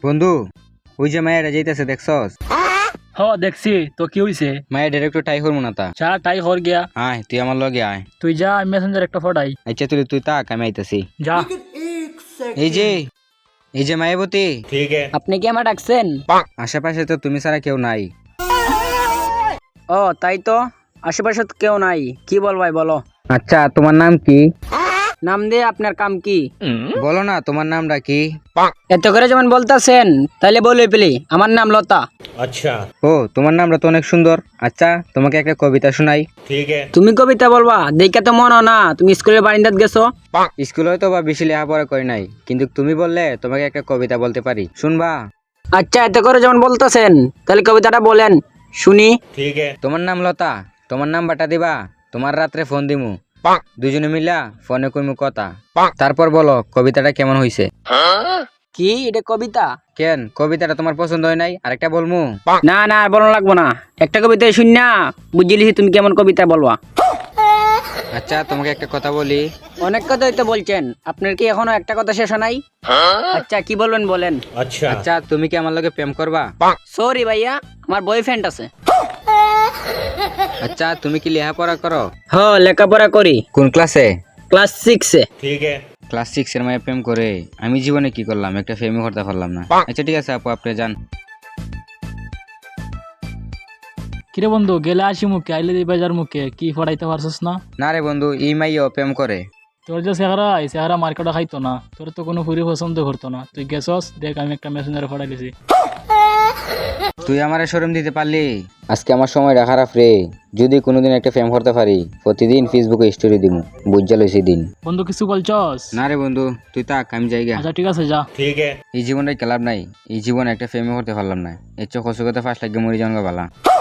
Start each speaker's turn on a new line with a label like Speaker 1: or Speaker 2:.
Speaker 1: বন্ধু, ওই যে মায়েরা যাইতেছে দেখছস?
Speaker 2: হ দেখছি তো কি হইছে?
Speaker 1: মায়ের ডাইরেক্ট টাই হরমু না তা।
Speaker 2: চা টাই হর গিয়া
Speaker 1: আয় তুই আমার লগে আয়।
Speaker 2: তুই যা মেসেঞ্জার একটা ফটাই
Speaker 1: আচ্ছা তুই তাক, আমি আইতাছি।
Speaker 2: যা।
Speaker 1: এই যে মায়াবতী,
Speaker 3: আপনি কি আমার ডাকছেন?
Speaker 1: আশেপাশে তো তুমি ছাড়া কেউ নাই।
Speaker 3: ও তাই তো, আশেপাশে তো কেউ নাই। কি বলবাই বলো।
Speaker 1: আচ্ছা তোমার নাম কি?
Speaker 3: নাম দিয়ে আপনার কাম কি?
Speaker 1: বলো না তোমার নামটা কি?
Speaker 3: এত করে যেমন বলতেছেন তাইলে বলে পেলি আমার নাম লতা।
Speaker 1: ও তোমার নামটা তো অনেক সুন্দর। আচ্ছা তোমাকে একটা কবিতা শোনাই।
Speaker 3: তুমি কবিতা বলবা দেখা তো মনে হয় না তুমি স্কুলের বারিন্দাত গেছো।
Speaker 1: স্কুলে হয়তো বা বেশি লেখাপড়া করি নাই, কিন্তু তুমি বললে তোমাকে একটা কবিতা বলতে পারি, শুনবা?
Speaker 3: আচ্ছা এত করে যেমন বলতেছেন তাহলে কবিতাটা বলেন শুনি।
Speaker 1: তোমার নাম লতা, তোমার নাম্বারটা দিবা, তোমার রাত্রে ফোন দিমু, দুজনে মিলা ফোনে কইমু কথা, তারপর বলো কবিতাটা কেমন হইছে।
Speaker 3: কি এটা কবিতা?
Speaker 1: কেন কবিতাটা তোমার পছন্দ হয় নাই? আরেকটা বলমু?
Speaker 3: না না আর বলা লাগবো না, একটা কবিতা শুন না বুঝলি তুমি কেমন কবিতা বলবা।
Speaker 1: আচ্ছা তোমাকে একটা কথা বলি।
Speaker 3: অনেক কথাই তো বলছেন, আপনার কি এখনো একটা কথা শেষ হয় নাই? আচ্ছা কি বলবেন বলেন।
Speaker 1: আচ্ছা তুমি কি আমার লগে প্রেম করবা?
Speaker 3: সরি ভাইয়া, আমার বয়ফ্রেন্ড আছে।
Speaker 1: আচ্ছা তুমি কি লেখাপড়া করো?
Speaker 3: হ লেখাপড়া করি,
Speaker 1: কোন ক্লাসে?
Speaker 3: ক্লাস 6-এ।
Speaker 1: ক্লাস 6 এর মায়ের প্রেম করে আমি জীবনে কি করলাম, একটা প্রেমই করতে পারলাম না। আচ্ছা ঠিক আছে আপু, আপনি যান।
Speaker 2: কিরে বন্ধু, গেলে আসি মুখে আইলে দিই বাজার মুখে, কি ফটাইতে পারছিস না?
Speaker 1: না রে বন্ধু, এই মাইও প্রেম করে।
Speaker 2: তোর যে চেহারা এই চেহারা মার্কেটে খাইতো না, তোর তো কোনো ফুরি পছন্দ করতো না। তুই গেছস দেখ, আমি একটা মেসেঞ্জারে ফটাই দিছি।
Speaker 1: তুই আমারে শরম দিতে পারলি? আজকে আমার সময়টা খারাপ রে। যদি কোনোদিন একটা প্রেম করতে পারি, প্রতিদিন ফেসবুকে স্টোরি দিমু, বুঝা লইছি দিন।
Speaker 2: বন্ধু কিছু বলছস?
Speaker 1: না রে বন্ধু, তুই তাক, আমি যাইগা।
Speaker 2: আচ্ছা ঠিক আছে যা।
Speaker 1: এই জীবনটাই ক্লাব নাই, এই জীবনে একটা প্রেমই করতে পারলাম না। এর চোখ কষ্ট করতে ফার্স্ট লাগে মরি যাওয়া ভালা।